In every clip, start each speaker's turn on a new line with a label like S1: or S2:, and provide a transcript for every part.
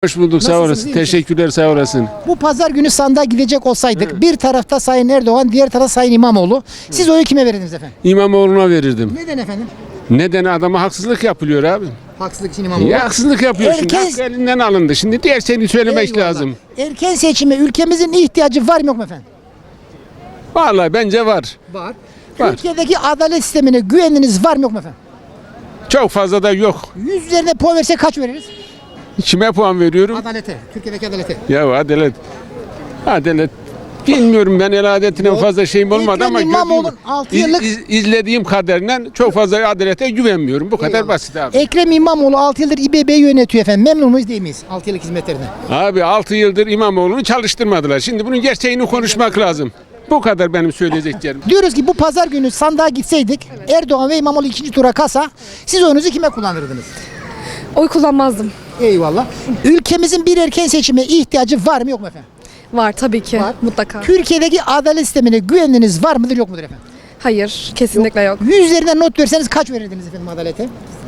S1: Hoş bulduk, sağ
S2: Nasılsınız,
S1: olasın.
S2: iyi misiniz?
S1: Teşekkürler, sağ olasın.
S2: Bu pazar günü sandığa gidecek olsaydık bir tarafta Sayın Erdoğan, diğer tarafta Sayın İmamoğlu. Siz oyu kime verirdiniz efendim?
S1: İmamoğlu'na verirdim.
S2: Neden efendim?
S1: Neden? Adama haksızlık yapılıyor abi.
S2: Haksızlık için İmamoğlu.
S1: Ya haksızlık yapıyor şimdi.
S2: Herkes-
S1: Hakkı elinden alındı. Şimdi diğer şeyini söylemek
S2: Eyvallah.
S1: lazım.
S2: Erken seçime ülkemizin ihtiyacı var mı yok mu efendim?
S1: Vallahi bence var.
S2: Var.
S1: Var.
S2: Türkiye'deki adalet sistemine güveniniz var mı yok mu efendim?
S1: Çok fazla da yok.
S2: 100 üzerinde puan versek kaç veririz?
S1: Kime puan veriyorum?
S2: Adalete. Türkiye'deki adalete.
S1: Ya adalet. Adalet. Bilmiyorum, ben el adetine
S2: Yok.
S1: fazla şeyim olmadı
S2: Ekrem
S1: ama
S2: İmamoğlu'nun 6 yıllık-
S1: izlediğim kadarıyla çok fazla adalete güvenmiyorum. Bu kadar
S2: Eyvallah.
S1: basit abi.
S2: Ekrem İmamoğlu 6 yıldır İBB'yi yönetiyor efendim. Memnun muyuz değil miyiz 6 yıllık hizmetlerine?
S1: Abi 6 yıldır İmamoğlu'nu çalıştırmadılar. Şimdi bunun gerçeğini konuşmak lazım. Bu kadar benim söyleyeceklerim.
S2: Diyoruz ki bu pazar günü sandığa gitseydik Erdoğan ve İmamoğlu ikinci tura kasa siz oyunuzu kime kullanırdınız?
S3: Oy kullanmazdım.
S2: Eyvallah. Ülkemizin bir erken seçime ihtiyacı var mı yok mu efendim?
S3: Var tabii ki.
S2: Var.
S3: Mutlaka.
S2: Türkiye'deki adalet sistemine güveniniz var mıdır yok mudur efendim?
S3: Hayır. Kesinlikle yok.
S2: 100 üzerinden not verseniz kaç verirdiniz efendim adalete?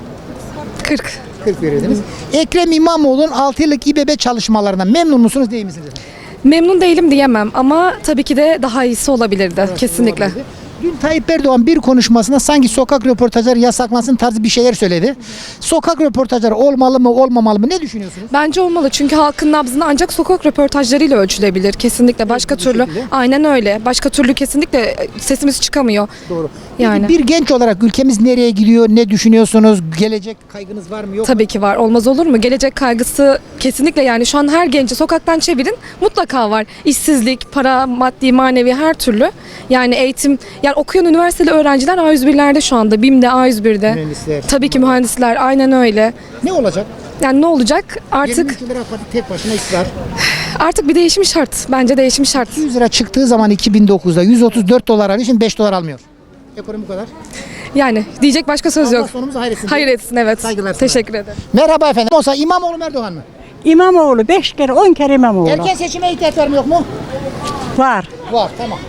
S3: 40.
S2: 40 verirdiniz. Ekrem İmamoğlu'nun 6 yıllık İBB çalışmalarından memnun musunuz değil misiniz efendim?
S3: Memnun değilim diyemem ama tabii ki de daha iyisi olabilirdi. Kesinlikle.
S2: Olabilirdi. Dün Tayyip Erdoğan bir konuşmasında sanki sokak röportajları yasaklansın tarzı bir şeyler söyledi. Sokak röportajları olmalı mı olmamalı mı ne düşünüyorsunuz?
S3: Bence olmalı çünkü halkın nabzını ancak sokak röportajlarıyla ölçülebilir. Kesinlikle. Başka
S2: bu
S3: türlü.
S2: şekilde.
S3: Aynen öyle. Başka türlü kesinlikle sesimiz çıkamıyor.
S2: Doğru.
S3: Yani.
S2: Peki bir genç olarak ülkemiz nereye gidiyor? Ne düşünüyorsunuz? Gelecek kaygınız var mı yok mu?
S3: Tabii ki var. Olmaz olur mu? Gelecek kaygısı kesinlikle, yani şu an her genci sokaktan çevirin mutlaka var. İşsizlik, para, maddi, manevi her türlü. Yani eğitim, yani okuyan üniversiteli öğrenciler A101'lerde şu anda. BİM'de, A101'de.
S2: Mühendisler.
S3: Tabii ki mühendisler, aynen öyle.
S2: Ne olacak?
S3: Yani ne olacak?
S2: 20
S3: Artık
S2: yıldır AK Parti tek başına iktidar.
S3: bir değişim şart. Bence değişim şart.
S2: 100 lira çıktığı zaman 2009'da 134 dolar alıyor. Şimdi 5 dolar almıyor. Ekonomi bu kadar.
S3: Yani diyecek başka söz
S2: Allah
S3: yok.
S2: sonumuzu hayretsin.
S3: Hayır etsin, evet.
S2: Saygılar sana.
S3: Teşekkür ederim.
S2: Merhaba efendim. Olsa İmamoğlu mu Erdoğan mı?
S4: İmamoğlu 5 kere 10 kere İmamoğlu.
S2: Erken seçime ihtiyaç var mı yok mu?
S4: Var.
S2: Var tamam.